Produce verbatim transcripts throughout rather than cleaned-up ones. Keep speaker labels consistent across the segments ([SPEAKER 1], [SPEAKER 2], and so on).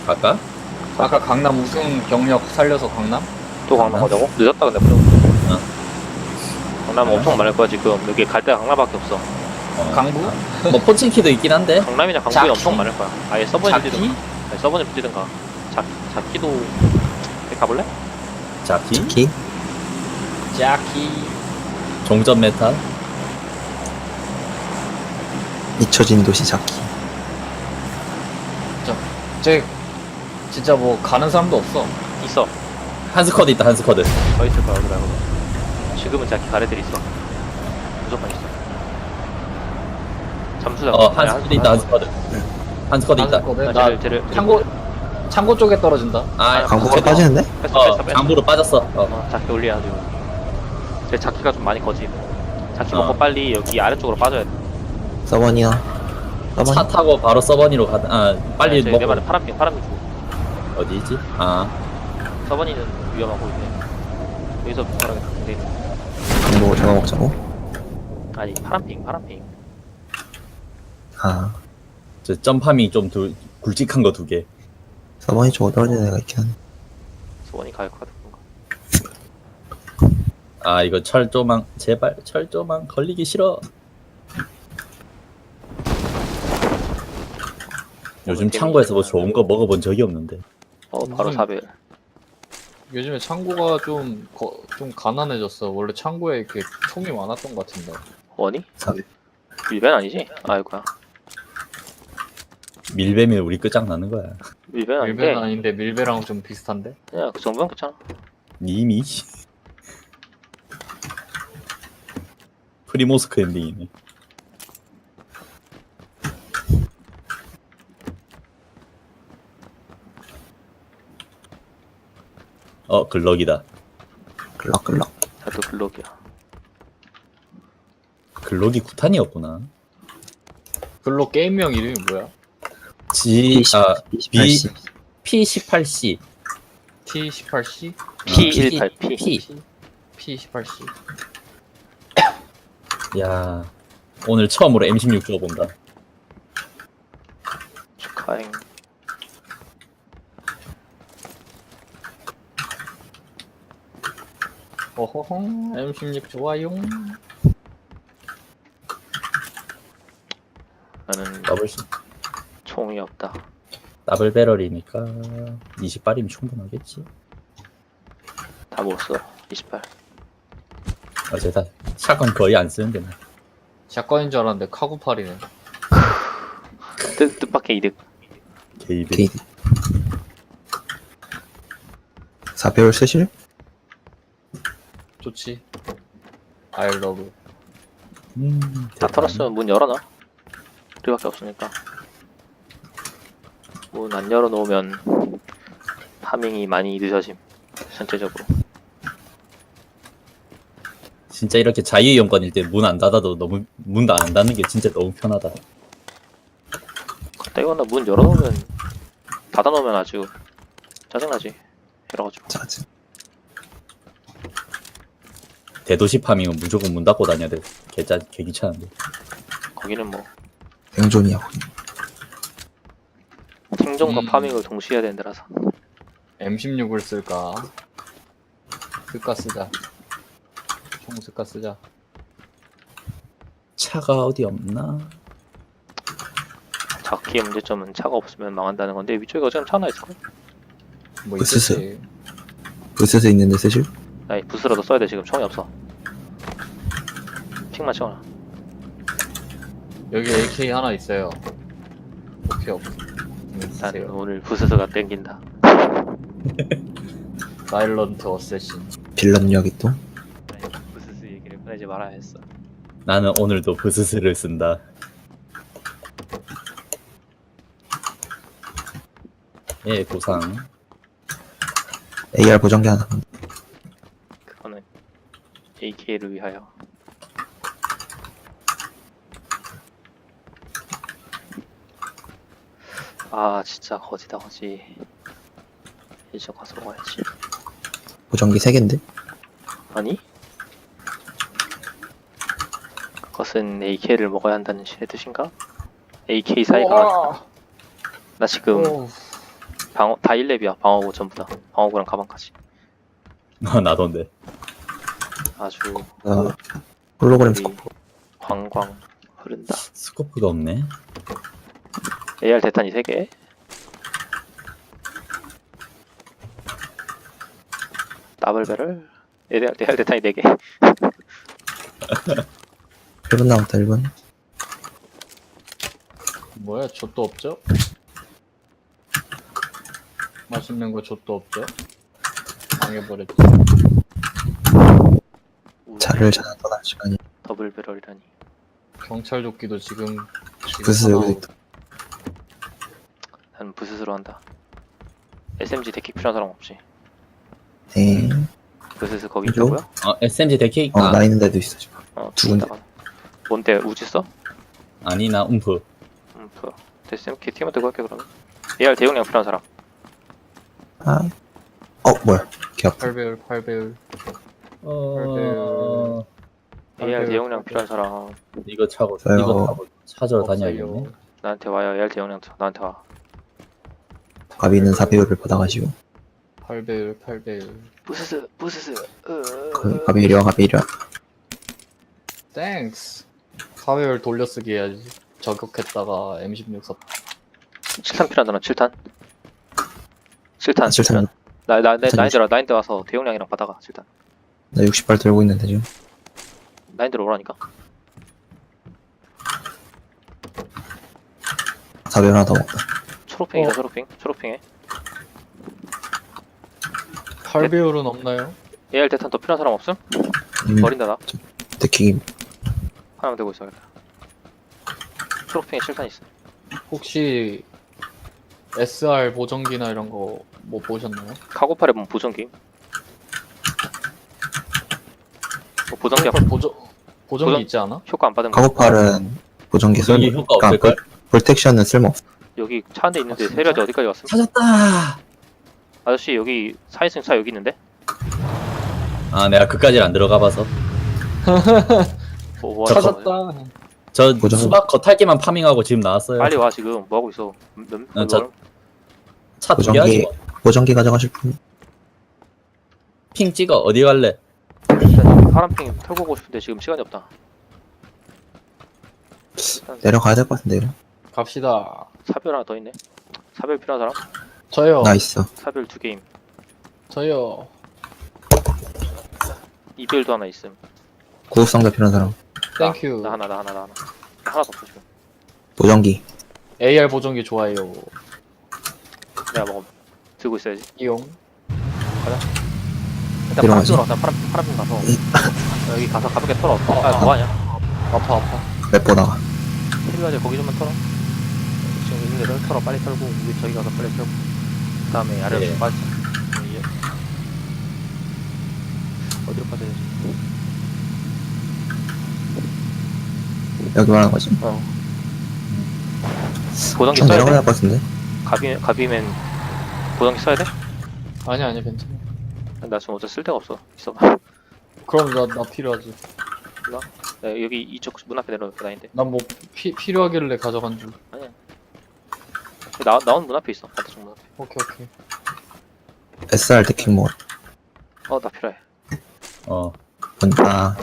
[SPEAKER 1] 갈까?
[SPEAKER 2] 아까 강남 우승 경력 살려서 강남?
[SPEAKER 3] 또 강남 가자고? 늦었다 근데 무조건.
[SPEAKER 1] 어.
[SPEAKER 3] 강남 엄청 많을 거야 지금. 여기 갈 데가 강남밖에 없어.
[SPEAKER 1] 어.
[SPEAKER 2] 강북?
[SPEAKER 1] 뭐 포친키도 있긴 한데.
[SPEAKER 3] 강남이나 강북이
[SPEAKER 2] 자키?
[SPEAKER 3] 엄청 많을 거야. 아예 서버에
[SPEAKER 2] 자키?
[SPEAKER 3] 뛰든가. 아니 서버에 뛰든가. 자, 자키도 가볼래?
[SPEAKER 1] 자키?
[SPEAKER 4] 자키?
[SPEAKER 2] 자키.
[SPEAKER 1] 종전 메타.
[SPEAKER 4] 잊혀진 도시 자키.
[SPEAKER 2] 쟤 진짜 뭐 가는 사람도 없어.
[SPEAKER 3] 있어.
[SPEAKER 1] 한스쿼드 있다 한스쿼드.
[SPEAKER 3] 더 있을 거야 여기 말고. 지금은 자키 가래들 있어. 무조건 있어. 잠수장.
[SPEAKER 1] 어 한스쿼드 있다 한스쿼드. 한스쿼드 있다.
[SPEAKER 2] 거든.
[SPEAKER 3] 나
[SPEAKER 2] 나
[SPEAKER 3] 쟤를 쟤를
[SPEAKER 2] 창고 창고 쪽에 떨어진다.
[SPEAKER 1] 아
[SPEAKER 4] 강북으로
[SPEAKER 1] 쟤도-
[SPEAKER 4] 빠지는데?
[SPEAKER 3] 뺐어
[SPEAKER 1] 어
[SPEAKER 3] 뺐어 뺐어.
[SPEAKER 1] 장부로 빠졌어. 어.
[SPEAKER 3] 어, 자키 올려야 지금. 제 자키가 좀 많이 거지. 자키
[SPEAKER 1] 어.
[SPEAKER 3] 먹고 빨리 여기 아래쪽으로 빠져야 돼.
[SPEAKER 4] 서버니야. 서버니?
[SPEAKER 1] 차 타고 바로 서버니로 가다. 아 빨리
[SPEAKER 3] 내
[SPEAKER 1] 먹고
[SPEAKER 3] 말은 파란핑 파란핑 주고.
[SPEAKER 1] 어디 있지? 아
[SPEAKER 3] 서버니는 위험하고 있네. 여기서 부활하겠다. 근데
[SPEAKER 4] 강북 제가 먹자고?
[SPEAKER 3] 아니 파란핑 파란핑.
[SPEAKER 4] 아,
[SPEAKER 1] 저 점파밍 좀 두, 굵직한 거 두 개.
[SPEAKER 4] 서버니 쪽으로 떨어지는 애가 있긴 하네.
[SPEAKER 3] 서버니 가야 카드 건가.
[SPEAKER 1] 아 이거 철조망 제발 철조망 걸리기 싫어. 요즘 창고에서 뭐 좋은 거 먹어본 적이 없는데.
[SPEAKER 3] 어 바로
[SPEAKER 2] 무슨-
[SPEAKER 3] 사벨.
[SPEAKER 2] 요즘에 창고가 좀, 거, 좀 가난해졌어. 원래 창고에 이렇게 총이 많았던 것 같은데.
[SPEAKER 3] 원이?
[SPEAKER 4] 사벨.
[SPEAKER 3] 밀벤 아니지? 아이고야.
[SPEAKER 1] 밀배면 우리 끝장나는 거야.
[SPEAKER 3] 밀벤 아닌데.
[SPEAKER 2] 밀배는 아닌데 밀배랑 좀 비슷한데?
[SPEAKER 3] 그냥 그 정도면 괜찮아.
[SPEAKER 1] 이미 프리모스크 엔딩이네. 어 글럭이다.
[SPEAKER 4] 끌럭끌럭.
[SPEAKER 3] 나도 블록이야.
[SPEAKER 1] 글럭이 구탄이었구나.
[SPEAKER 2] 글로 게임명 이름이 뭐야?
[SPEAKER 1] G 아
[SPEAKER 4] 이십팔 씨.
[SPEAKER 1] 피 십팔 씨
[SPEAKER 2] 티 십팔 씨?
[SPEAKER 3] 피 십팔 피.
[SPEAKER 1] P.
[SPEAKER 2] 피 십팔 씨.
[SPEAKER 1] 야 오늘 처음으로 엠 십육 줘본다.
[SPEAKER 3] 축하행.
[SPEAKER 2] 어허허, 엠 십육 좋아요.
[SPEAKER 3] 나는
[SPEAKER 1] 더블 씨
[SPEAKER 3] 총이 없다.
[SPEAKER 1] 더블 배럴이니까 이십 발이면 충분하겠지.
[SPEAKER 3] 다 먹었어. 이십팔.
[SPEAKER 1] 어제 다 샷건 거의 안 쓰는데 나.
[SPEAKER 2] 샷건인 줄 알았는데 카구팔이네.
[SPEAKER 3] 뜻, 뜻밖의 이득.
[SPEAKER 1] 게이드.
[SPEAKER 4] 게이드. 사배율 쓰실?
[SPEAKER 2] 좋지. I love.
[SPEAKER 1] 음,
[SPEAKER 3] 다
[SPEAKER 1] 대단.
[SPEAKER 3] 털었으면 문 열어놔. 우리밖에 없으니까. 문 안 열어놓으면 파밍이 많이 늦어짐. 전체적으로.
[SPEAKER 1] 진짜 이렇게 자유이용권일 때 문 안 닫아도 너무 문 안 닫는 게 진짜 너무 편하다.
[SPEAKER 3] 그때거나 문 열어놓으면 닫아놓으면 아주 짜증나지. 이래가지고.
[SPEAKER 4] 짜증.
[SPEAKER 1] 대도시 파밍은 무조건 문 닫고 다녀야 돼. 개짜 개귀찮은데.
[SPEAKER 3] 거기는 뭐
[SPEAKER 4] 생존이야, 거기.
[SPEAKER 3] 생존과
[SPEAKER 2] 음.
[SPEAKER 3] 파밍을 동시에 해야 되는 데라서.
[SPEAKER 2] 엠 십육을 쓸까? 쓸까 쓰자. 총 쓸까 쓰자.
[SPEAKER 1] 차가 어디 없나?
[SPEAKER 3] 자키의 문제점은 차가 없으면 망한다는 건데 위쪽에 어차피 차 하나 있을걸?
[SPEAKER 2] 뭐
[SPEAKER 4] 으스스.
[SPEAKER 2] 있겠지.
[SPEAKER 4] 부스스 있는데 쓰실?
[SPEAKER 3] 아니 부스라도 써야 돼. 지금 총이 없어. 핑만 채워놔.
[SPEAKER 2] 여기 에이케이 하나 있어요. 오케이 없어.
[SPEAKER 3] 난
[SPEAKER 2] 있어요.
[SPEAKER 3] 오늘 부스스가 땡긴다.
[SPEAKER 2] 사일런트 어쌔신.
[SPEAKER 4] 빌런 이야기 또?
[SPEAKER 3] 부스스 얘기를 꺼내지 말아야 했어.
[SPEAKER 1] 나는 오늘도 브스스를 쓴다. 예, 보상.
[SPEAKER 4] 에이알 보정기 하나.
[SPEAKER 3] 그거는 에이케이를 위하여. 아 진짜 거지다 거지. 이제 가서 먹어야지.
[SPEAKER 4] 보정기 세 개인데?
[SPEAKER 3] 아니? 그것은 에이케이를 먹어야 한다는 신의 뜻인가? 에이케이 사이가
[SPEAKER 2] 우와.
[SPEAKER 3] 나 지금
[SPEAKER 2] 오.
[SPEAKER 3] 방어 다 일 렙이야. 방어구 전부 다. 방어구랑 가방까지.
[SPEAKER 1] 어, 나던데.
[SPEAKER 3] 아주
[SPEAKER 4] 아, 홀로그램
[SPEAKER 3] 우리
[SPEAKER 4] 스코프.
[SPEAKER 3] 광광 흐른다.
[SPEAKER 1] 스코프가 없네.
[SPEAKER 3] 에이알 대탄이 세 개. 더블 배럴. 에이알, 에이알 대탄이 네 개.
[SPEAKER 4] 일 분 남았다, 일 분.
[SPEAKER 2] 뭐야, 족도 없죠? 맛있는 거 족도 없죠? 망해버렸지.
[SPEAKER 4] 차를 찾아 떠날 시간이.
[SPEAKER 3] 더블 배럴이라니.
[SPEAKER 2] 경찰 조끼도 지금 지금
[SPEAKER 4] 부스
[SPEAKER 2] 하나
[SPEAKER 4] 여기도 있다.
[SPEAKER 3] 나는 부스스로 한다. 에스엠지 데킥 필요한 사람 없지.
[SPEAKER 4] 네.
[SPEAKER 3] 부스스 거기
[SPEAKER 4] 그죠?
[SPEAKER 3] 있다고요?
[SPEAKER 1] 어, 에스엠지 데키?
[SPEAKER 4] 어,
[SPEAKER 1] 아,
[SPEAKER 4] 나 있는 데도 있어, 지금.
[SPEAKER 3] 어,
[SPEAKER 4] 두 군데.
[SPEAKER 3] 있다가. 뭔데 우지 써?
[SPEAKER 1] 아니, 나 움프.
[SPEAKER 3] 음, 그 됐으면 걔 팀한테 할게 그러면. 에이알 대용량 필요한 사람.
[SPEAKER 4] 아. 어, 뭐야. 개 아파.
[SPEAKER 2] 팔 배율 팔 배율.
[SPEAKER 1] 어,
[SPEAKER 3] 에이알
[SPEAKER 2] 팔 배율,
[SPEAKER 3] 대용량
[SPEAKER 2] 팔
[SPEAKER 3] 필요한 사람.
[SPEAKER 1] 이거 차고,
[SPEAKER 4] 저요.
[SPEAKER 1] 이거 타고 찾으러
[SPEAKER 2] 없어요.
[SPEAKER 1] 다녀야겠네.
[SPEAKER 3] 나한테 와요. 에이알 대용량 나한테 와.
[SPEAKER 4] 가비는 사배율을 받아가지고.
[SPEAKER 2] 팔 배율 팔 배율.
[SPEAKER 3] 부스스 부스스.
[SPEAKER 4] 그, 가비 이리와, 가비 이리와.
[SPEAKER 2] 땡스. 사 배율 돌려쓰기 해야지. 저격했다가 엠 십육 사.
[SPEAKER 3] 칠 탄 필요한 사람 칠 탄. 칠 탄.
[SPEAKER 4] 칠 탄.
[SPEAKER 3] 나나
[SPEAKER 4] 칠 탄
[SPEAKER 3] 나인들 나인들 와서 대용량이랑 받아가 칠 탄.
[SPEAKER 4] 나 육십 발 들고 있는데, 지금.
[SPEAKER 3] 나인들 오라니까.
[SPEAKER 4] 사배율 하나 더 먹다.
[SPEAKER 3] 초록핑이다
[SPEAKER 2] 어.
[SPEAKER 3] 초록핑. 초록핑에.
[SPEAKER 2] 팔 배율은 없나요?
[SPEAKER 3] 에이알 대탄 더 필요한 사람 없음?
[SPEAKER 4] 음,
[SPEAKER 3] 버린다 나.
[SPEAKER 4] 데킥이.
[SPEAKER 3] 하나만 들고 있어야겠다. 초록핑에 칠 탄 있어.
[SPEAKER 2] 혹시 에스알 보정기나 이런 거 뭐 보셨나요?
[SPEAKER 3] 카고팔에 보면 보정기. 뭐 보정기
[SPEAKER 2] 카고팔 보정 보정기
[SPEAKER 3] 보정-
[SPEAKER 2] 있지 않아?
[SPEAKER 3] 효과 안 받은 거.
[SPEAKER 4] 카고팔은 보정기 쓸모.
[SPEAKER 1] 여기 효과
[SPEAKER 4] 그러니까
[SPEAKER 1] 없을걸?
[SPEAKER 4] 볼- 볼텍션은 쓸모없어.
[SPEAKER 3] 여기 차 한 대 있는데
[SPEAKER 2] 아, 진짜?
[SPEAKER 3] 세려지 어디까지 왔음?
[SPEAKER 1] 찾았다!
[SPEAKER 3] 아저씨 여기 사인승 차 여기 있는데?
[SPEAKER 1] 아, 내가 그까지 안 들어가 봐서.
[SPEAKER 3] 뭐, 뭐 하는 거야?
[SPEAKER 2] 찾았다.
[SPEAKER 1] 저
[SPEAKER 4] 보정-
[SPEAKER 1] 수박 겉핥기만 파밍하고 지금 나왔어요.
[SPEAKER 3] 빨리 와 지금 뭐 하고 있어? 몇, 몇,
[SPEAKER 1] 어, 저-
[SPEAKER 3] 몇,
[SPEAKER 1] 차 두 개 하지
[SPEAKER 4] 보정기,
[SPEAKER 1] 뭐.
[SPEAKER 4] 보정기 가져가실 분.
[SPEAKER 1] 핑 찍어. 어디 갈래?
[SPEAKER 3] 일단 파란핑 털고 오고 싶은데 지금 시간이 없다. 일단
[SPEAKER 4] 내려가야 될 것 같은데, 이거.
[SPEAKER 2] 갑시다.
[SPEAKER 3] 사별 하나 더 있네. 사별 필요한 사람?
[SPEAKER 2] 저요.
[SPEAKER 4] 나 있어.
[SPEAKER 3] 사별 두 개임.
[SPEAKER 2] 저요.
[SPEAKER 3] 이별도 하나 있음.
[SPEAKER 4] 구급상자 필요한 사람.
[SPEAKER 3] 나,
[SPEAKER 2] 땡큐.
[SPEAKER 3] 나 하나 나 하나 나 하나. 나 하나 더 없어 지금.
[SPEAKER 4] 보정기.
[SPEAKER 2] 에이알 보정기 좋아해요.
[SPEAKER 3] 내가 먹음. 들고 있어야지.
[SPEAKER 2] 이용.
[SPEAKER 3] 일단 파란
[SPEAKER 4] 들어가지.
[SPEAKER 3] 핑으로 가자. 파란 핑 파란 핑 가서 어, 여기 가서 가볍게 털어.
[SPEAKER 2] 어,
[SPEAKER 3] 아
[SPEAKER 2] 어.
[SPEAKER 3] 뭐하냐?
[SPEAKER 2] 아파 아파.
[SPEAKER 4] 몇 보다가.
[SPEAKER 3] 필요하지 거기 좀만 털어. 지금 있는 데를 털어 빨리 털고 우리 저기 가서 빨리 털고. 그 다음에 아래로
[SPEAKER 1] 예.
[SPEAKER 3] 좀 빠지자. 이제 어디로 빠져야 되지?
[SPEAKER 4] 여기 말하는 거지.
[SPEAKER 3] 어. 보정기
[SPEAKER 4] 좀
[SPEAKER 3] 써야
[SPEAKER 4] 내려가야
[SPEAKER 3] 돼?
[SPEAKER 4] 할 것 같은데.
[SPEAKER 3] 가비 가비면 보정기 써야 돼?
[SPEAKER 2] 아니 아니 괜찮아.
[SPEAKER 3] 나 지금 어차피 쓸 데가 없어. 있어.
[SPEAKER 2] 그럼 나 나 필요하지.
[SPEAKER 3] 나 여기 이쪽 문 앞에 내려놓을 다니는데.
[SPEAKER 2] 난 뭐 필요하길래 가져간 줄.
[SPEAKER 3] 아니야. 나 나온 문 앞에 있어. 반대쪽 문 앞에.
[SPEAKER 2] 오케이 오케이.
[SPEAKER 4] 에스알 데킥 뭐.
[SPEAKER 3] 어 나 필요해.
[SPEAKER 1] 어.
[SPEAKER 4] 본다.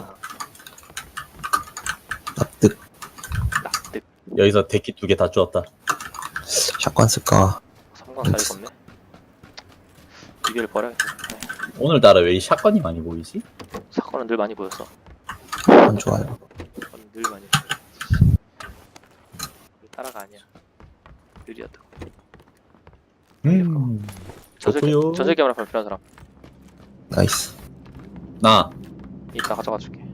[SPEAKER 4] 납득.
[SPEAKER 3] 납득.
[SPEAKER 1] 여기서 데키 두 개 다 주었다.
[SPEAKER 4] 샷건 쓸까.
[SPEAKER 3] 삼광 사이가 없네. 이별 버려야겠다. 네.
[SPEAKER 1] 오늘따라 왜 이 샷건이 많이 보이지?
[SPEAKER 3] 사건은 늘 많이 보였어.
[SPEAKER 4] 안 좋아요.
[SPEAKER 3] 사건은 늘 많이 보였어. 따라가 아니야. 느리였다.
[SPEAKER 1] 음.
[SPEAKER 3] 전설기
[SPEAKER 1] 좋고요.
[SPEAKER 3] 전설기 하나 필요한 사람.
[SPEAKER 4] 나이스.
[SPEAKER 1] 나.
[SPEAKER 3] 이따 가져가 줄게.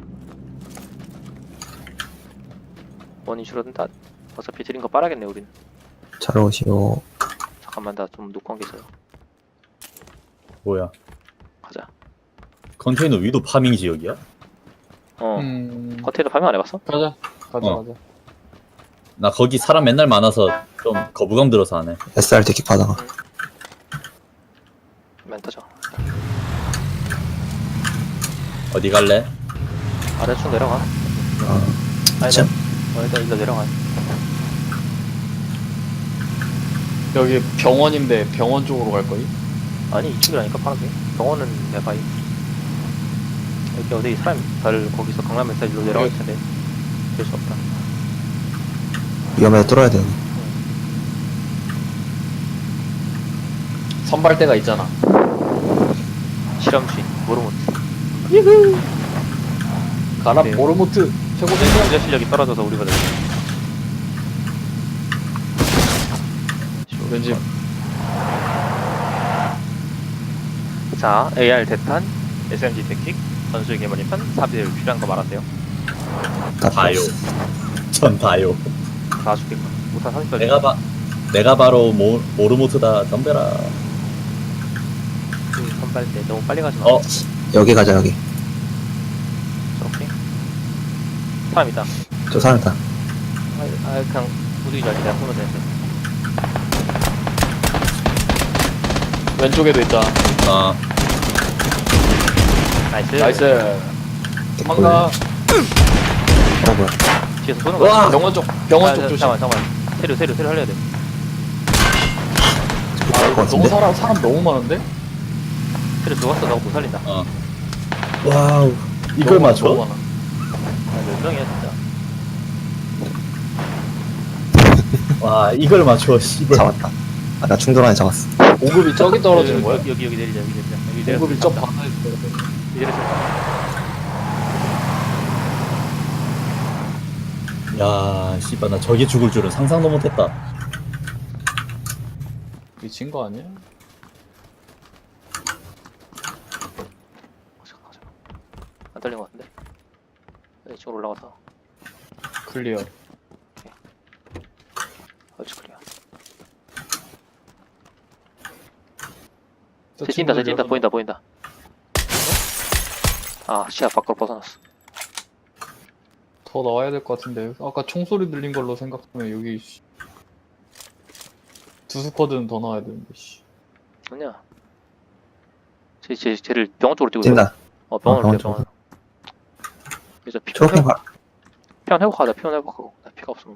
[SPEAKER 3] 원인 줄어든다. 어차피 드린 거 빨아겠네 우린.
[SPEAKER 4] 잘 오시오.
[SPEAKER 3] 잠깐만 나 좀 놓고 한 게 있어요.
[SPEAKER 1] 뭐야?
[SPEAKER 3] 가자.
[SPEAKER 1] 컨테이너 위도 파밍 지역이야?
[SPEAKER 3] 어.
[SPEAKER 2] 음.
[SPEAKER 3] 컨테이너 파밍 안 해봤어?
[SPEAKER 2] 가자. 가자
[SPEAKER 1] 어.
[SPEAKER 2] 가자.
[SPEAKER 1] 나 거기 사람 맨날 많아서 좀 거부감 들어서 안 해.
[SPEAKER 4] 에스알 데킥 받아가.
[SPEAKER 3] 멘터죠.
[SPEAKER 1] 어디 갈래?
[SPEAKER 3] 아래쪽 내려가.
[SPEAKER 4] 어.
[SPEAKER 3] 아니
[SPEAKER 4] 참.
[SPEAKER 3] 나 어, 일단 일로 내려가.
[SPEAKER 2] 여기 병원인데 병원 쪽으로 갈 거임?
[SPEAKER 3] 아니 이쪽이라니까 파란색. 병원은 내가 이 여기 어디 사람 다들 거기서 강남 엑사이즈로 내려갈 텐데 될 수 없다.
[SPEAKER 4] 위험해서 뚫어야 돼, 여기.
[SPEAKER 2] 선발대가 있잖아.
[SPEAKER 3] 실험주인 모르모트.
[SPEAKER 2] 가라
[SPEAKER 3] 네.
[SPEAKER 2] 모르모트 최고
[SPEAKER 3] 내
[SPEAKER 2] 대장.
[SPEAKER 3] 유저 실력이 떨어져서 우리가 내.
[SPEAKER 2] 왠지
[SPEAKER 3] 자, 에이알 대탄, 에스엠지 대킥, 전술 개머리판, 사비를 필요한 거 말하세요.
[SPEAKER 4] 다
[SPEAKER 1] 다요.
[SPEAKER 4] 필요 없어.
[SPEAKER 1] 전 다요.
[SPEAKER 3] 다 죽겠구나. 못한 사십 발.
[SPEAKER 1] 내가 바 내가 바로 모 모르모트다. 덤벼라.
[SPEAKER 3] 선발대 너무 빨리 가지 마.
[SPEAKER 1] 어
[SPEAKER 4] 여기 가자, 여기.
[SPEAKER 3] 저렇게. 사람 있다.
[SPEAKER 4] 저 사람 있다.
[SPEAKER 3] 아, 아 그냥 무드기 자리 내가 쏘면 되는데.
[SPEAKER 2] 왼쪽에도 있다.
[SPEAKER 1] 아,
[SPEAKER 3] 나이스.
[SPEAKER 2] 나이스.
[SPEAKER 4] 개꿀.
[SPEAKER 2] 도망가.
[SPEAKER 4] 어, 뭐야.
[SPEAKER 3] 뒤에서 쏘는 거야.
[SPEAKER 1] 와!
[SPEAKER 2] 병원 쪽 병원
[SPEAKER 3] 아,
[SPEAKER 2] 쪽
[SPEAKER 3] 자,
[SPEAKER 2] 조심.
[SPEAKER 3] 잠깐만 잠깐만. 세류 세류 세류 살려야 돼.
[SPEAKER 4] 저기
[SPEAKER 2] 아
[SPEAKER 4] 갈것
[SPEAKER 2] 이거 너무
[SPEAKER 4] 같은데?
[SPEAKER 2] 사람 사람 너무 많은데?
[SPEAKER 3] 세류 죽었어. 너가 못 살린다.
[SPEAKER 1] 어. 와우. 이걸
[SPEAKER 2] 너무 많아, 너무
[SPEAKER 1] 맞춰?
[SPEAKER 2] 많아.
[SPEAKER 3] 아몇 명이야 진짜.
[SPEAKER 1] 와, 이걸 맞춰. 씨발.
[SPEAKER 4] 잡았다. 아, 나 충돌 안에 잡았어.
[SPEAKER 2] 보급이 저기 떨어지는 거야?
[SPEAKER 3] 여기 여기 여기 내리자 여기 내리자. 여기 내려.
[SPEAKER 2] 보급이 저 바다에 떨어져.
[SPEAKER 3] 여기 내려서.
[SPEAKER 1] 야, 씨발 나 저게 죽을 줄은 상상도 못했다.
[SPEAKER 2] 미친 거 아니야?
[SPEAKER 3] 잠깐 잠깐. 안 떨린 거 같은데? 네, 이쪽으로 올라가서.
[SPEAKER 2] 클리어.
[SPEAKER 3] 어찌 클리어.
[SPEAKER 2] 저
[SPEAKER 3] 새 뛴다 새
[SPEAKER 2] 친구들
[SPEAKER 3] 뛴다
[SPEAKER 2] 여섯
[SPEAKER 3] 보인다 보인다. 아 시야 밖으로 벗어났어.
[SPEAKER 2] 더 나와야 될 것 같은데 아까 총소리 들린 걸로 생각하면 여기 씨. 두 스쿼드는 더 나와야 되는데 씨.
[SPEAKER 3] 아니야. 쟤, 쟤, 쟤를 병원 쪽으로 뛰고
[SPEAKER 4] 뛴다.
[SPEAKER 3] 어 병원으로
[SPEAKER 4] 병원
[SPEAKER 3] 뛰어 병원. 이제 피
[SPEAKER 4] 초록핑
[SPEAKER 3] 회복,
[SPEAKER 4] 가.
[SPEAKER 3] 피원 회복하자 피원 회복하고 나 피가 없으면.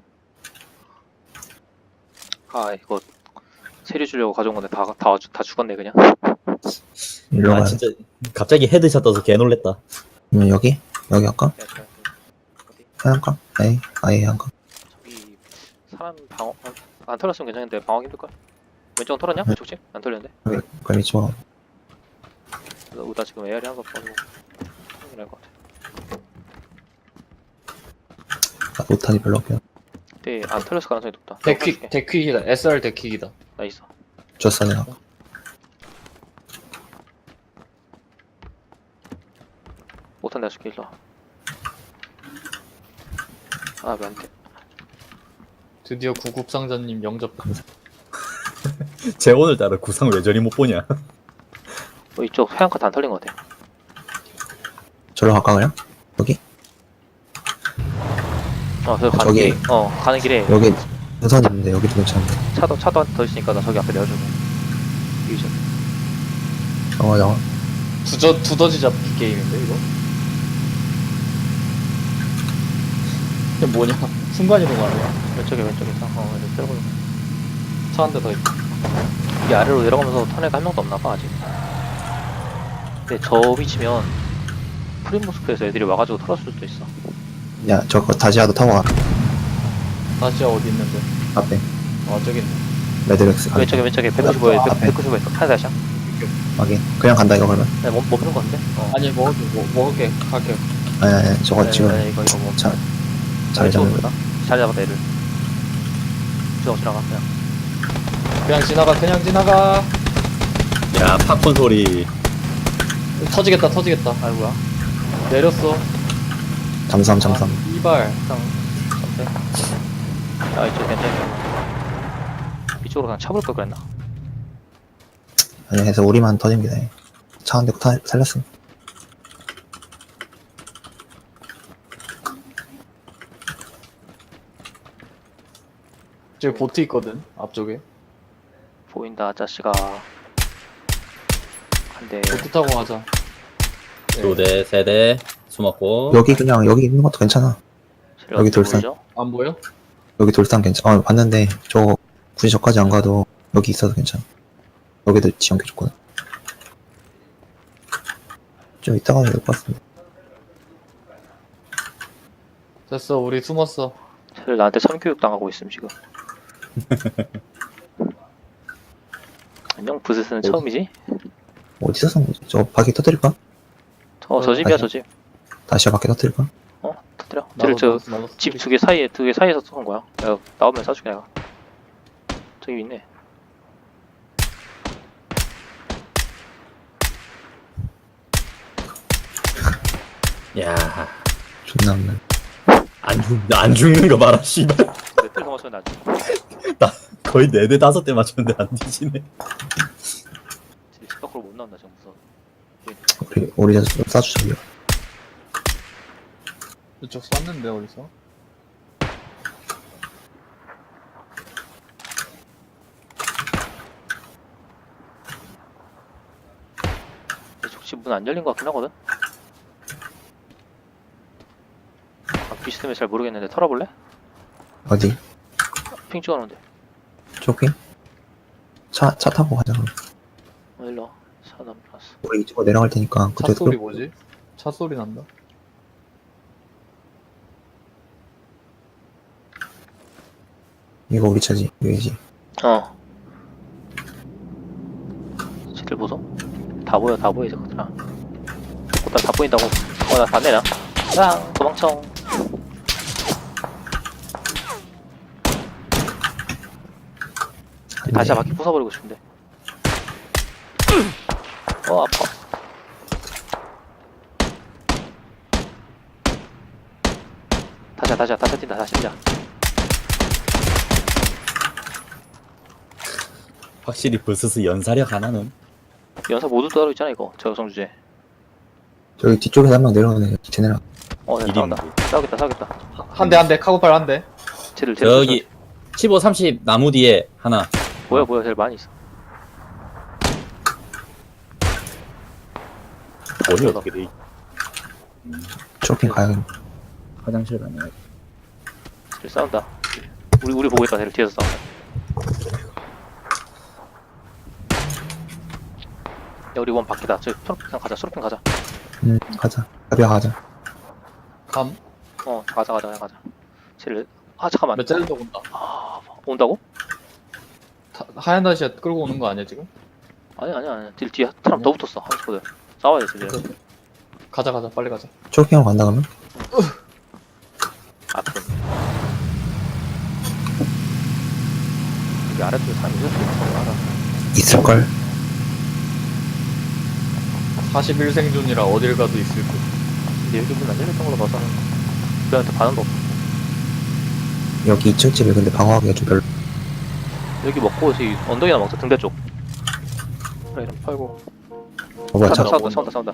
[SPEAKER 3] 아 이거 세류 주려고 가져온 건데 다 다 다 죽었네 그냥.
[SPEAKER 4] 일로
[SPEAKER 1] 아
[SPEAKER 4] 가야
[SPEAKER 1] 진짜 갑자기 헤드샷 떠서 개 놀랬다.
[SPEAKER 4] 음, 여기? 여기 할까?
[SPEAKER 3] 야, 야, 어디?
[SPEAKER 4] 하얀가? 에이, 아예 한가?
[SPEAKER 3] 저기 사람 방어 안, 안 털었으면 괜찮은데 방어하기 힘들걸? 왼쪽은 털었냐?
[SPEAKER 4] 네.
[SPEAKER 3] 왼쪽지? 안 털렸는데?
[SPEAKER 4] 여기, 그럼 이쪽.
[SPEAKER 3] 나, 나 지금 에어리 한거 빠지고 나을 것 같아.
[SPEAKER 4] 나 못하니 별로 없긴.
[SPEAKER 3] 근데 안 털렸을 가능성이 높다.
[SPEAKER 2] 데퀵 데퀵이다. 에스알 데퀵이다.
[SPEAKER 3] 나 있어.
[SPEAKER 4] 줬어, 내가.
[SPEAKER 3] 못한 내가 줄게 일로 와. 아 왜 안 돼?
[SPEAKER 2] 드디어 구급상자님 영접.
[SPEAKER 1] 쟤 오늘따라 구상 왜 저리 못 보냐?
[SPEAKER 3] 어, 이쪽 해안가 다 안 털린 것 같아.
[SPEAKER 4] 저로 갈까, 그냥? 여기?
[SPEAKER 3] 어, 저 가는
[SPEAKER 4] 저기.
[SPEAKER 3] 길에, 어, 가는 길에
[SPEAKER 4] 여기 우선 있는데, 여기도 괜찮은데.
[SPEAKER 3] 차도, 차도 한 더 있으니까 나 저기 앞에 내려주고. 유전.
[SPEAKER 4] 정화, 정화.
[SPEAKER 2] 두저 두더지 잡기 게임인데 이거? 이게 뭐냐? 순간 이동하네.
[SPEAKER 3] 왼쪽에, 왼쪽에 있어. 어, 이렇게 들어가.
[SPEAKER 2] 차 한 대 더 있다.
[SPEAKER 3] 이게 아래로 내려가면서 터널가 한 명도 없나봐, 아직. 근데 저 위치면 프리모스크에서 애들이 와가지고 털었을 수도 있어.
[SPEAKER 4] 야, 저거 다시아도 타고 와.
[SPEAKER 2] 다시 어디 있는데?
[SPEAKER 4] 앞에.
[SPEAKER 2] 아 저기 있네.
[SPEAKER 4] 레드렉스. 가.
[SPEAKER 3] 왼쪽에, 왼쪽에 백구십오에,
[SPEAKER 4] 아, 앞에.
[SPEAKER 3] 백구십오에 있어. 하나 다시야.
[SPEAKER 4] 확인. 그냥 간다, 이거 그러면?
[SPEAKER 3] 네, 멈, 멈는 거 같은데? 어.
[SPEAKER 2] 아니 먹을게 뭐, 먹을게 갈게.
[SPEAKER 4] 아니, 아니, 저거
[SPEAKER 3] 네,
[SPEAKER 4] 지금
[SPEAKER 3] 네, 이거, 이거 뭐.
[SPEAKER 4] 자, 잘 잡는
[SPEAKER 3] 거다. 잘 잡았다, 얘를. 지나가, 지나가, 그냥.
[SPEAKER 2] 그냥 지나가 그냥 지나가.
[SPEAKER 1] 야, 팝콘 소리.
[SPEAKER 2] 터지겠다 터지겠다.
[SPEAKER 3] 아이고야.
[SPEAKER 2] 내렸어.
[SPEAKER 4] 잠삼, 잠삼.
[SPEAKER 2] 아, 이발.
[SPEAKER 3] 일단, 선택. 아, 이쪽 괜찮아. 이쪽으로 그냥 차볼 걸 그랬나?
[SPEAKER 4] 아니, 해서 우리만 터진 게 돼. 차 한 대 타, 살렸음.
[SPEAKER 2] 저기 보트 있거든 앞쪽에.
[SPEAKER 3] 보인다, 아저씨가. 한 대.
[SPEAKER 2] 보트 타고 가자. 네.
[SPEAKER 1] 두 대, 세 대, 숨었고.
[SPEAKER 4] 여기 그냥, 여기 있는 것도 괜찮아. 여기 돌산.
[SPEAKER 3] 보이죠?
[SPEAKER 2] 안 보여?
[SPEAKER 4] 여기 돌산 괜찮아. 어, 봤는데, 저, 굳이 저까지 안 가도, 여기 있어도 괜찮아. 여기도 지연기 좋거든. 좀 이따 가도 될 것 같습니다.
[SPEAKER 2] 됐어, 우리 숨었어.
[SPEAKER 3] 쟤들 나한테 선교육 당하고 있음 지금. 안녕 부스스는 처음이지?
[SPEAKER 4] 어디서 쏜 거지? 저 바퀴 터뜨릴까?
[SPEAKER 3] 어 저 집이야 저 집.
[SPEAKER 4] 다시 바퀴 터뜨릴까?
[SPEAKER 3] 어 터뜨려.
[SPEAKER 2] 나도,
[SPEAKER 3] 쟤를
[SPEAKER 2] 나도, 나도
[SPEAKER 3] 저 집 두 개 사이에 두 개 사이에서 쏘는 거야. 내가 나오면 쏴줄게 내가. 저기 있네.
[SPEAKER 1] 야,
[SPEAKER 4] 존나 없네.
[SPEAKER 1] 안 죽, 안 죽는 거 봐라, 씨발.
[SPEAKER 3] 몇대 넘었으면 나
[SPEAKER 1] 거의 네 대 다섯 대 맞췄는데 안 뒤지네.
[SPEAKER 3] 집 밖으로 못 나온다 지금 무서워.
[SPEAKER 4] 우리, 우리 좀 쏴주자, 이거.
[SPEAKER 2] 이쪽 쐈는데, 어디서?
[SPEAKER 3] 이쪽 집 문 안 열린 것 같긴 하거든? 아, 비스듬해 잘 모르겠는데 털어볼래?
[SPEAKER 4] 어디?
[SPEAKER 3] 핑 찍어놓은데.
[SPEAKER 4] 쇼핑? 차, 차 타고 가자, 그럼.
[SPEAKER 3] 어, 일로 와. 사람 나왔어.
[SPEAKER 4] 우리 이쪽으로 내려갈 테니까,
[SPEAKER 2] 차
[SPEAKER 4] 그때
[SPEAKER 2] 소리 뭐지? 차 소리 난다.
[SPEAKER 4] 이거 우리 차지, 여기지.
[SPEAKER 3] 어. 쟤들 보소? 다 보여, 다 보여, 이제 것들아. 꽃다 다 보인다고. 어, 나 봤네, 나. 랑 도망쳐. 다시 바퀴 부숴버리고 싶은데. 어, 아파. 다시야, 다시야, 다시 뛴다, 다시 뛴다.
[SPEAKER 1] 확실히 부스스 연사력 하나는.
[SPEAKER 3] 연사 모두 따로 있잖아, 이거. 저 여성 주제.
[SPEAKER 4] 저기 뒤쪽에서 한 명 내려오네, 쟤네랑.
[SPEAKER 3] 어, 네,
[SPEAKER 1] 일인
[SPEAKER 3] 싸운다. 싸우겠다, 싸우겠다.
[SPEAKER 2] 한 대, 한 대, 카고팔 한 대.
[SPEAKER 3] 쟤들, 쟤들.
[SPEAKER 1] 저기 십오, 삼십 나무 뒤에 하나.
[SPEAKER 3] 뭐야, 뭐야, 쟤들 많이 있어.
[SPEAKER 1] 어디 어떻게 돼?
[SPEAKER 4] 쇼핑 가야겠네.
[SPEAKER 1] 화장실 가네.
[SPEAKER 3] 쟤들 싸운다. 우리, 우리 보고 있다, 쟤들 뒤에서 싸운다. 야, 우리 원 바퀴다. 저기 초록핑 가자, 초록핑 가자.
[SPEAKER 4] 음, 가자. 가비야, 가자.
[SPEAKER 2] 감.
[SPEAKER 3] 어, 가자, 가자, 가자. 가자. 쟤를, 아, 잠깐만.
[SPEAKER 2] 몇 짤도 온다.
[SPEAKER 3] 아, 온다고?
[SPEAKER 2] 타, 하얀 다시야 끌고 오는 거 아니야, 지금?
[SPEAKER 3] 아니, 아니, 아니. 쟤들 뒤에 사람 더 붙었어, 한스코들. 싸워야 돼, 쟤들.
[SPEAKER 2] 가자, 가자, 빨리 가자.
[SPEAKER 4] 쇼핑하러 간다, 그러면?
[SPEAKER 3] 아, 그럼. 여기 아래쪽에 사람이 있었을 거 알아.
[SPEAKER 4] 있을걸?
[SPEAKER 2] 사십일 생존이라 어딜 가도 있을 듯.
[SPEAKER 3] 근데 여기 문 안 열렸던 걸로 봐서는 우리한테 반응도 없어.
[SPEAKER 4] 여기 이 층 집에 근데 방어하기가 좀 별로.
[SPEAKER 3] 여기 먹고 저기 언덕이나 먹자, 등대 쪽. 그래, 이런 거 팔고.
[SPEAKER 4] 어, 뭐야, 차.
[SPEAKER 3] 싸운다, 싸운다, 싸운다, 싸운다.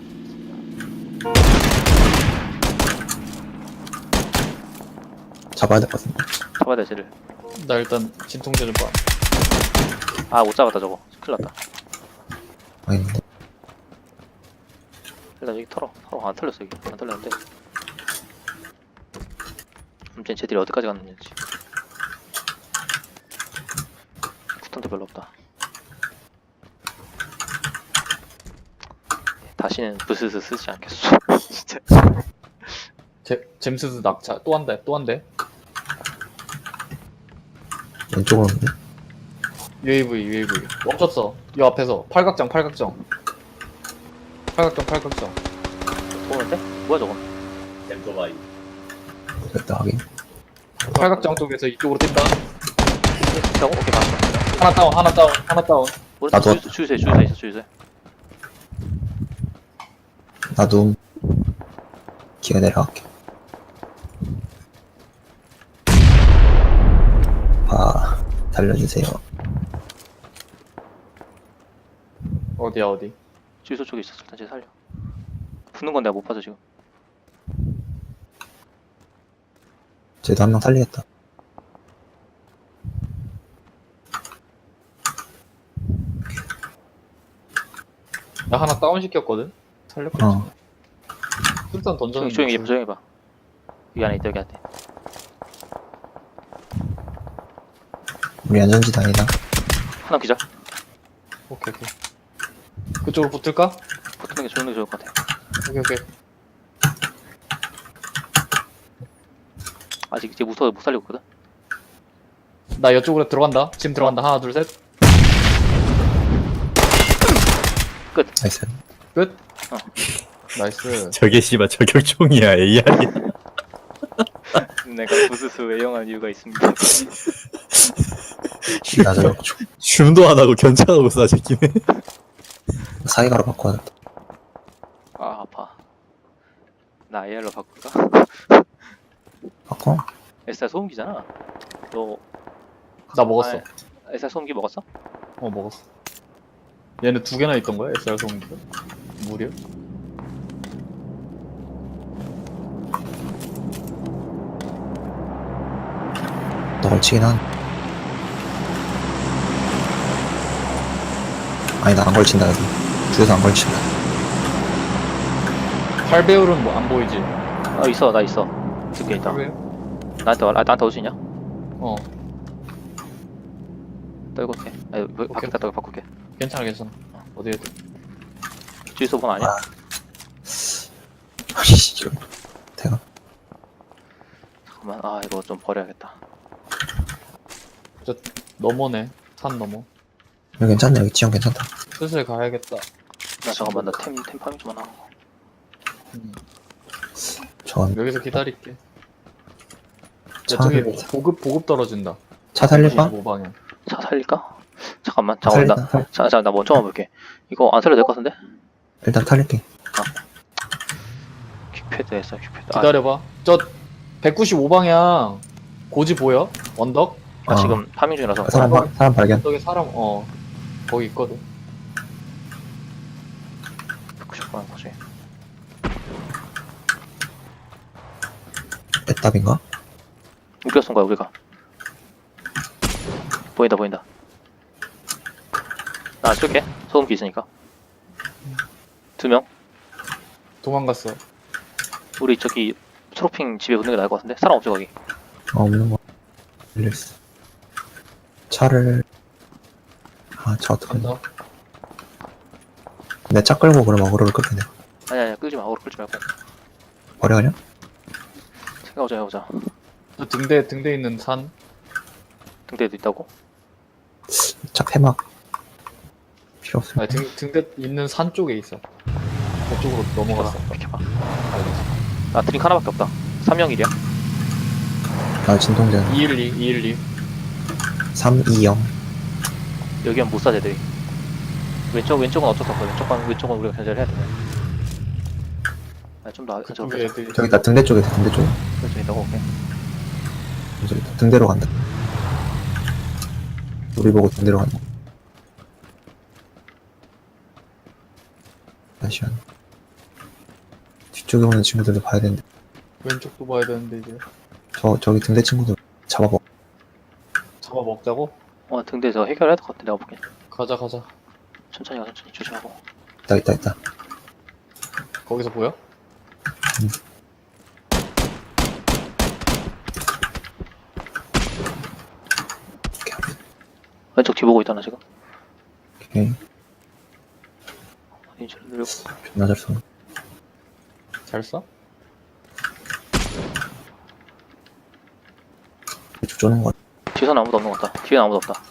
[SPEAKER 4] 잡아야 될 것 같은데.
[SPEAKER 3] 잡아야 돼, 쟤를.
[SPEAKER 2] 나 일단 진통제 좀 봐.
[SPEAKER 3] 아, 못 잡았다, 저거. 큰일 났다.
[SPEAKER 4] 아닌데.
[SPEAKER 3] 일단 여기 털어. 털어. 안 털렸어, 여기. 안 털렸는데. 아무튼 쟤들이 어디까지 갔는지. 구탄도 별로 없다. 다시는 부스스 쓰지 않겠어. 진짜.
[SPEAKER 2] 제, 잼스드 낙차. 또 한 대, 또 한 대.
[SPEAKER 4] 왼쪽으로 오는데.
[SPEAKER 2] 유에이브이, 유에이브이. 멈췄어. 이 앞에서. 팔각정, 팔각정. 팔각정, 팔각정.
[SPEAKER 3] 오는데? 뭐야, 저건?
[SPEAKER 1] 템토바이.
[SPEAKER 4] 됐다, 하긴.
[SPEAKER 2] 팔각정 쪽에서 이쪽으로 뛴다.
[SPEAKER 3] 저거? 오케이, 맞어.
[SPEAKER 2] 하나 다운, 하나 다운, 하나 다운.
[SPEAKER 3] 오른쪽
[SPEAKER 4] 나도-
[SPEAKER 3] 주유소, 주유소에, 주유소에 있어, 주유소에.
[SPEAKER 4] 나도 기가 내려갈게. 아, 달려주세요.
[SPEAKER 2] 어디야, 어디?
[SPEAKER 3] 주유소 쪽에 있었을 때 쟤 살려. 붙는 건 내가 못 봐서 지금.
[SPEAKER 4] 쟤도 한 명 살리겠다.
[SPEAKER 2] 나 하나 다운 시켰거든? 살렸겠지.
[SPEAKER 4] 어.
[SPEAKER 2] 술탄 던졌는데.
[SPEAKER 3] 조용히, 조용히, 조용히 봐. 여기 안에 있다, 여기 안에.
[SPEAKER 4] 우리 안전지대 아니다.
[SPEAKER 3] 하나 기절.
[SPEAKER 2] 오케이 오케이. 그쪽으로 붙을까?
[SPEAKER 3] 붙는 게 좋은 게 좋을 것 같아.
[SPEAKER 2] 오케이 오케이.
[SPEAKER 3] 아직 이제 무서워 못 살리고 있거든.
[SPEAKER 2] 나 이쪽으로 들어간다. 지금 들어간다. 하나 둘 셋.
[SPEAKER 4] 나이스.
[SPEAKER 2] 끝.
[SPEAKER 3] 어.
[SPEAKER 2] 나이스.
[SPEAKER 1] 저게 씨발 저격총이야 에이알이야.
[SPEAKER 3] 내가 부스스 애용한 이유가 있습니다.
[SPEAKER 4] 나 저거
[SPEAKER 1] 줌도 안 하고 견착하고 쏴 새끼네.
[SPEAKER 4] 사이가로 바꿔야겠다.
[SPEAKER 3] 아 아파. 나 에이알로 바꿀까?
[SPEAKER 4] 바꿔?
[SPEAKER 3] 에스알 소음기잖아. 너
[SPEAKER 2] 나 먹었어.
[SPEAKER 3] 아, 에스알 소음기 먹었어?
[SPEAKER 2] 어 먹었어. 얘는 두 개나 있던 거야? 에스알 소음기가? 무려?
[SPEAKER 4] 너 걸치긴 한. 아니 나 안 걸친다 여기. 주에서 안 걸친다.
[SPEAKER 2] 팔 배율은 뭐 안 보이지?
[SPEAKER 3] 어 있어 나 있어. 두개 있다.
[SPEAKER 2] 팔 배율?
[SPEAKER 3] 나한테 와. 아, 나한테 올 수 있냐?
[SPEAKER 2] 어.
[SPEAKER 3] 떨고 올게. 아 여기 바뀌었다 떨고 바꿀게.
[SPEAKER 2] 괜찮아 괜찮아. 어디에?
[SPEAKER 3] 주유소 번 아니야?
[SPEAKER 4] 아. 아이씨 이거. 대가.
[SPEAKER 3] 잠깐만 아 이거 좀 버려야겠다.
[SPEAKER 2] 저 넘어네. 산 넘어.
[SPEAKER 4] 여기 괜찮네. 여기 지형 괜찮다.
[SPEAKER 2] 슬슬 가야겠다.
[SPEAKER 3] 나 잠깐만 나템템 파밍 좀 하나 하고.
[SPEAKER 2] 음.
[SPEAKER 4] 저건
[SPEAKER 2] 여기서 기다릴게.
[SPEAKER 4] 차,
[SPEAKER 2] 저기 보급 보급 떨어진다.
[SPEAKER 4] 차 살릴까?
[SPEAKER 2] 오 방향.
[SPEAKER 3] 차 살릴까? 잠깐만
[SPEAKER 4] 차
[SPEAKER 3] 잠깐만
[SPEAKER 4] 살릴까?
[SPEAKER 3] 나
[SPEAKER 4] 살-
[SPEAKER 3] 자, 자, 나 먼저 와볼게. 이거 안 살려도 될 것 같은데?
[SPEAKER 4] 일단 탈릴게.
[SPEAKER 3] 퀵패드 했어 퀵패드. 아,
[SPEAKER 2] 기다려봐. 저 백구십오 방향 고지 보여? 언덕?
[SPEAKER 3] 아,
[SPEAKER 4] 어.
[SPEAKER 3] 지금 파밍 중이라서.
[SPEAKER 4] 사람 바, 사람 발견.
[SPEAKER 2] 언덕에 사람 어 거기 있거든.
[SPEAKER 3] 백구십 번 거지.
[SPEAKER 4] 애답인가?
[SPEAKER 3] 우리가 쏜 거야 우리가. 보인다 보인다. 나 안 쏠게. 소음기 있으니까. 두 명.
[SPEAKER 2] 도망갔어.
[SPEAKER 3] 우리 저기 초록핑 집에 붙는 게 나을 것 같은데? 사람 없죠 거기?
[SPEAKER 4] 어, 없는 거. 밀렸어. 차를 아, 차 어떡하냐.
[SPEAKER 2] 간다.
[SPEAKER 4] 내 차 끌고 그럼 어그로를 끌게 내가.
[SPEAKER 3] 아니 아니 끌지 마. 어그로 끌지 말고.
[SPEAKER 4] 버려 그냥?
[SPEAKER 3] 생각해보자 해보자.
[SPEAKER 2] 저 등대 등대 있는 산.
[SPEAKER 3] 등대에도 있다고?
[SPEAKER 4] 차 폐막 필요 없어.
[SPEAKER 2] 아니 등 등대 있는 산 쪽에 있어. 그쪽으로 넘어갔어.
[SPEAKER 3] 비켜봐. 나 드링크 하나밖에 없다. 삼 영 일이야.
[SPEAKER 4] 나 진통제
[SPEAKER 2] 이일이 이일이.
[SPEAKER 4] 삼이영.
[SPEAKER 3] 여기는 못 쏴 쟤들이. 왼쪽 왼쪽은 어쩔 수 없어. 왼쪽은 왼쪽은 우리가 견제를 해야 돼. 아, 좀더 안쪽
[SPEAKER 2] 그쪽에 애들이.
[SPEAKER 4] 저기 나 등대 쪽에 있어, 등대 쪽에.
[SPEAKER 3] 좀 있다고 오케이.
[SPEAKER 4] 저기 있다. 등대로 간다. 우리 보고 등대로 간다. 잠시만. 뒤쪽에 오는 친구들도 봐야 되는데.
[SPEAKER 2] 왼쪽도 봐야 되는데 이제.
[SPEAKER 4] 저 저기 등대 친구들 잡아먹.
[SPEAKER 2] 잡아 먹자고?
[SPEAKER 3] 어 등대에서 해결해야 될 것 같아. 내가 볼게.
[SPEAKER 2] 가자 가자.
[SPEAKER 3] 천천히 가 천천히 조심하고.
[SPEAKER 4] 있다 있다 있다.
[SPEAKER 2] 거기서 보여?
[SPEAKER 3] 왼쪽 뒤 보고 있다 나 지금.
[SPEAKER 4] 오케이.
[SPEAKER 3] 인지를 누르고.
[SPEAKER 4] 존나 잘 쏘네.
[SPEAKER 2] 잘 쏴?
[SPEAKER 4] 이쪽 쪼는 거.
[SPEAKER 3] 뒤에서는 아무도 없는 것 같다. 뒤에는 아무도 없다.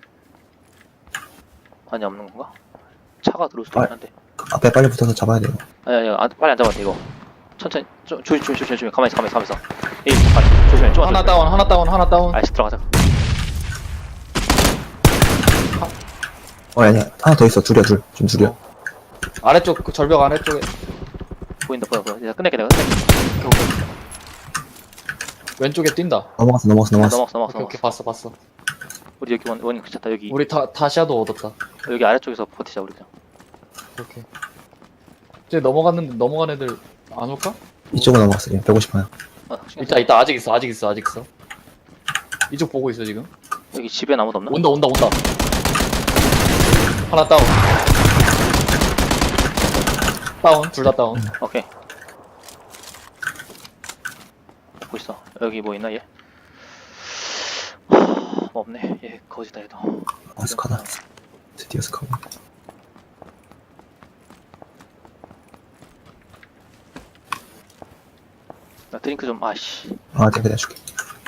[SPEAKER 3] 아니 없는 건가? 차가 들어올 수도
[SPEAKER 4] 아.
[SPEAKER 3] 있긴 한데.
[SPEAKER 4] 앞에 빨리 붙어서 잡아야 돼요.
[SPEAKER 3] 아니 아니 아, 빨리 안 잡아도 돼 이거. 천천히 조, 조심 조심 조심 조심. 가만히 있어 가만히 있어 가만히 있어. 에이 빨리 조심해. 좀
[SPEAKER 2] 하나 다운 하나 다운 하나 다운.
[SPEAKER 3] 아이씨 들어가자.
[SPEAKER 4] 어 아니야 하나 더 있어. 둘이야 둘. 지금 둘이야.
[SPEAKER 2] 어. 아래쪽 그 절벽 아래쪽에.
[SPEAKER 3] 보인다 보여 보여. 내가 끝낼게 내가 끝낼게.
[SPEAKER 2] 오케이, 오케이. 왼쪽에 뛴다.
[SPEAKER 4] 넘어갔어 넘어갔어 넘어갔어.
[SPEAKER 3] 넘어갔어 넘어갔어.
[SPEAKER 2] 오케이 오케이
[SPEAKER 3] 넘어갔어.
[SPEAKER 2] 봤어 봤어.
[SPEAKER 3] 우리 여기 원 원이 괜찮다 여기.
[SPEAKER 2] 우리 다 다시아도 얻었다.
[SPEAKER 3] 여기 아래쪽에서 버티자 우리 그냥.
[SPEAKER 2] 오케이. 이제 넘어갔는데 넘어간 애들 안 올까?
[SPEAKER 4] 이쪽으로 넘어갔어. 지금 백오십 방향.
[SPEAKER 3] 아,
[SPEAKER 2] 있다 있다 아직 있어 아직 있어 아직 있어. 이쪽 보고 있어 지금.
[SPEAKER 3] 여기 집에 아무도 없나?
[SPEAKER 2] 온다 온다 온다. 하나 다운. 다운 둘 다 다운.
[SPEAKER 3] 오케이. 보고 있어. 여기 뭐 있나 얘? 하, 뭐 없네. 얘 거지다 얘도.
[SPEAKER 4] 어, 스카다. 드디어 스카고.
[SPEAKER 3] 나 드링크 좀 아씨.
[SPEAKER 4] 아, 내가 내줄게.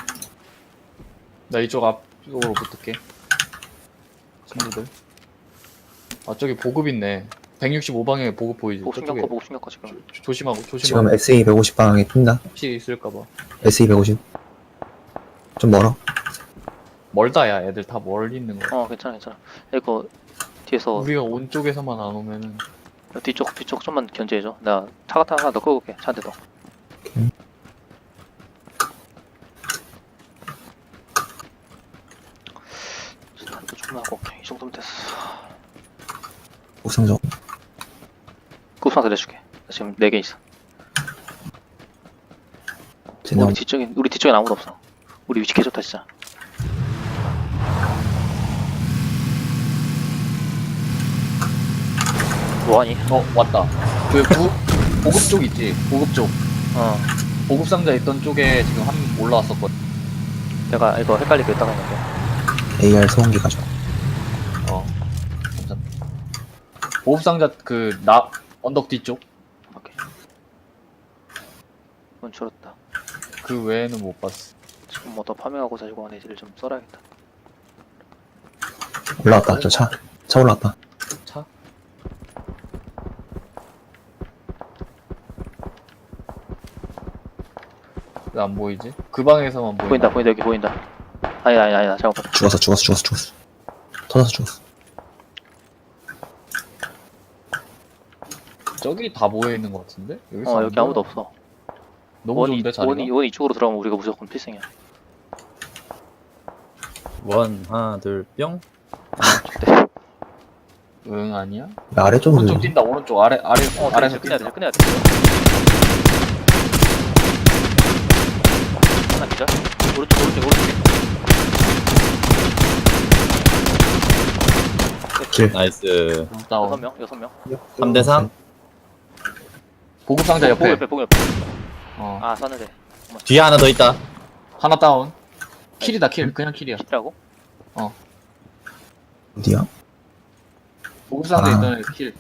[SPEAKER 2] 나 이쪽 앞쪽으로 붙을게. 친구들. 아 저기 보급 있네. 백육십오 방향에 보급 보이지?
[SPEAKER 3] 보고 신경
[SPEAKER 2] 저쪽에.
[SPEAKER 3] 꺼 보고 신경 꺼 지금.
[SPEAKER 2] 조- 조심하고
[SPEAKER 4] 지금
[SPEAKER 2] 조심하고.
[SPEAKER 4] 에스이 백오십 방향에 뛴다.
[SPEAKER 2] 혹시 있을까봐.
[SPEAKER 4] 에스이 백오십. 좀 멀어.
[SPEAKER 2] 멀다야. 애들 다 멀리 있는 거.
[SPEAKER 3] 어 괜찮아 괜찮아. 이거 뒤에서
[SPEAKER 2] 우리가 온 쪽에서만 안 오면은.
[SPEAKER 3] 뒤쪽 뒤쪽 좀만 견제해줘. 나 차 같은 거 하나 더 끄고 올게. 차 한 대 더.
[SPEAKER 4] 오케이.
[SPEAKER 3] 스탄도 좀 하고 오케이. 이 정도면 됐어.
[SPEAKER 4] 옥상적.
[SPEAKER 3] 급상 내줄게. 나 지금 네 개 있어.
[SPEAKER 4] 쟤네
[SPEAKER 3] 우리 뒤쪽에 우리 뒤쪽엔 아무도 없어. 우리 위치 개 좋다 진짜. 뭐하니?
[SPEAKER 2] 어 왔다. 그 부, 보급 쪽 있지? 보급 쪽.
[SPEAKER 3] 어.
[SPEAKER 2] 보급 상자 있던 쪽에 지금 한 명 올라왔었거든.
[SPEAKER 3] 내가 이거 헷갈리게 했다가 했는데.
[SPEAKER 4] 에이알 소음기 가져.
[SPEAKER 2] 어. 괜찮다. 보급 상자 그 나 언덕 뒤쪽.
[SPEAKER 3] 오케이. 이건 줄었다.
[SPEAKER 2] 그 외에는 못 봤어.
[SPEAKER 3] 지금 뭐 더 파밍하고 자시고 한 애들을 좀 썰어야겠다.
[SPEAKER 4] 올라왔다. 저 차. 차 올라왔다.
[SPEAKER 2] 차? 왜 안 보이지? 그 방에서만 보인다.
[SPEAKER 3] 보인다 보인다 여기 보인다. 아니다 아니다 아니다 잘못 봤다.
[SPEAKER 4] 죽었어, 죽었어, 죽었어, 죽었어. 터져서 죽었어.
[SPEAKER 2] 저기 다 모여 있는 것 같은데? 여기서
[SPEAKER 3] 어
[SPEAKER 2] 안
[SPEAKER 3] 여기
[SPEAKER 2] 보여?
[SPEAKER 3] 아무도 없어.
[SPEAKER 2] 너무
[SPEAKER 3] 원이
[SPEAKER 2] 좋은데 자리가?
[SPEAKER 3] 원이 원이 이쪽으로 들어가면 우리가 무조건 필승이야.
[SPEAKER 1] 원 하나 둘 뿅.
[SPEAKER 3] 네.
[SPEAKER 2] 응 아니야?
[SPEAKER 4] 야, 아래쪽으로.
[SPEAKER 2] 오른쪽 뛴다 오른쪽 아래 아래
[SPEAKER 3] 어
[SPEAKER 2] 아래서
[SPEAKER 3] 끝내야
[SPEAKER 2] 뛴다.
[SPEAKER 3] 돼 끝내야 돼. 하나 기자. 오른쪽 오른쪽 오른쪽.
[SPEAKER 4] 길.
[SPEAKER 1] 나이스.
[SPEAKER 3] 여섯
[SPEAKER 2] 다운.
[SPEAKER 3] 명 여섯 명.
[SPEAKER 1] 삼 대 삼.
[SPEAKER 2] 보급 상자
[SPEAKER 3] 보고
[SPEAKER 2] 옆에.
[SPEAKER 3] 옆에 보고 옆에.
[SPEAKER 2] 어.
[SPEAKER 3] 아 쐈는데.
[SPEAKER 1] 뒤에 하나 더 있다.
[SPEAKER 2] 하나 다운. 킬이다 킬. 그냥 킬이야.
[SPEAKER 3] 킬이라고?
[SPEAKER 4] 어디야?
[SPEAKER 2] 보급 상자
[SPEAKER 4] 아.
[SPEAKER 2] 있던 애 킬.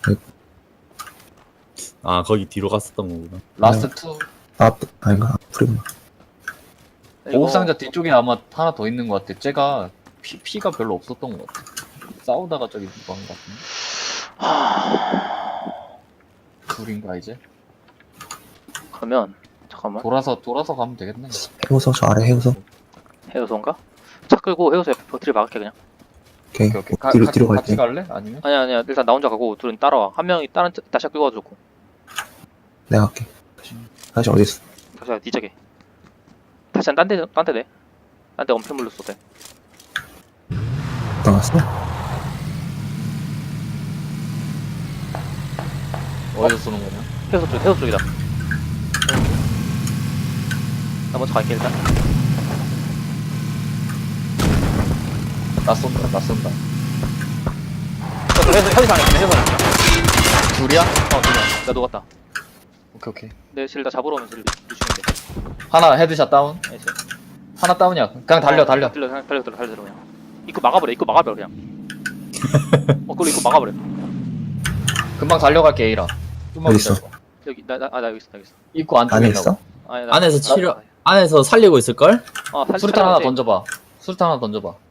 [SPEAKER 1] 아 거기 뒤로 갔었던 거구나.
[SPEAKER 2] 라스트 투.
[SPEAKER 4] 아, 아닌가? 프리구나.
[SPEAKER 2] 보급 상자 뒤쪽에 아마 하나 더 있는 것 같아. 쟤가 피, 피가 별로 없었던 것 같아. 싸우다가 저기 누가 한것 같은데. 둘인가 이제?
[SPEAKER 3] 그러면 잠깐만.
[SPEAKER 2] 돌아서 돌아서 가면 되겠네.
[SPEAKER 4] 해우소, 저 아래 해우소.
[SPEAKER 3] 해우소인가? 차 끌고 해우소 옆에 버티를 막을게 그냥.
[SPEAKER 4] 오케이.
[SPEAKER 2] 오케이 오케이.
[SPEAKER 4] 어,
[SPEAKER 2] 가,
[SPEAKER 4] 뒤로,
[SPEAKER 2] 가,
[SPEAKER 4] 뒤로
[SPEAKER 2] 같이
[SPEAKER 4] 갈게.
[SPEAKER 2] 갈래? 아니면?
[SPEAKER 3] 아니야 아니야 일단 나 혼자 가고 둘은 따라와. 한 명이 다른 차- 다시 끌고 와주고.
[SPEAKER 4] 내가 갈게. 다시 어디 있어?
[SPEAKER 3] 다시 와 뒤쪽에. 다시 딴데딴데 내. 딴데 엄폐 물로 쏘대.
[SPEAKER 4] 나갔어?
[SPEAKER 2] 어디서 쏘는 거냐?
[SPEAKER 3] 해우소 쪽 해우소 쪽이다. 나 먼저 갈게 일단.
[SPEAKER 2] 나 쏜다 나 쏜다.
[SPEAKER 3] 해우소 해우소 안에 있네 해우소 안에 있네.
[SPEAKER 2] 둘이야?
[SPEAKER 3] 어 둘이야. 나 녹았다.
[SPEAKER 2] 오케이 오케이.
[SPEAKER 3] 내 실 다 잡으러 오면서 루시는데.
[SPEAKER 2] 하나 헤드샷 다운.
[SPEAKER 3] 나이스.
[SPEAKER 2] 하나 다운이야. 그냥 달려 달려.
[SPEAKER 3] 달려 달려 달려 달려 달려 그냥. 입구 막아버려 입구 막아버려 그냥. 어 그리고 입구 막아버려.
[SPEAKER 2] 금방 달려갈게 A라. 좀만
[SPEAKER 4] 어디 있어?
[SPEAKER 2] 기다려봐.
[SPEAKER 3] 여기 나 나 아 나 여기 있어 나 여기 있어.
[SPEAKER 2] 입구 안쪽에
[SPEAKER 4] 안에
[SPEAKER 2] 있나 봐.
[SPEAKER 4] 있어?
[SPEAKER 3] 아니, 나-
[SPEAKER 1] 안에서
[SPEAKER 3] 나-
[SPEAKER 1] 치료 안에서 살리고 있을 걸?
[SPEAKER 3] 어, 사실
[SPEAKER 2] 수류탄 하나
[SPEAKER 3] 촬영하지.
[SPEAKER 2] 던져봐. 수류탄 하나 던져봐.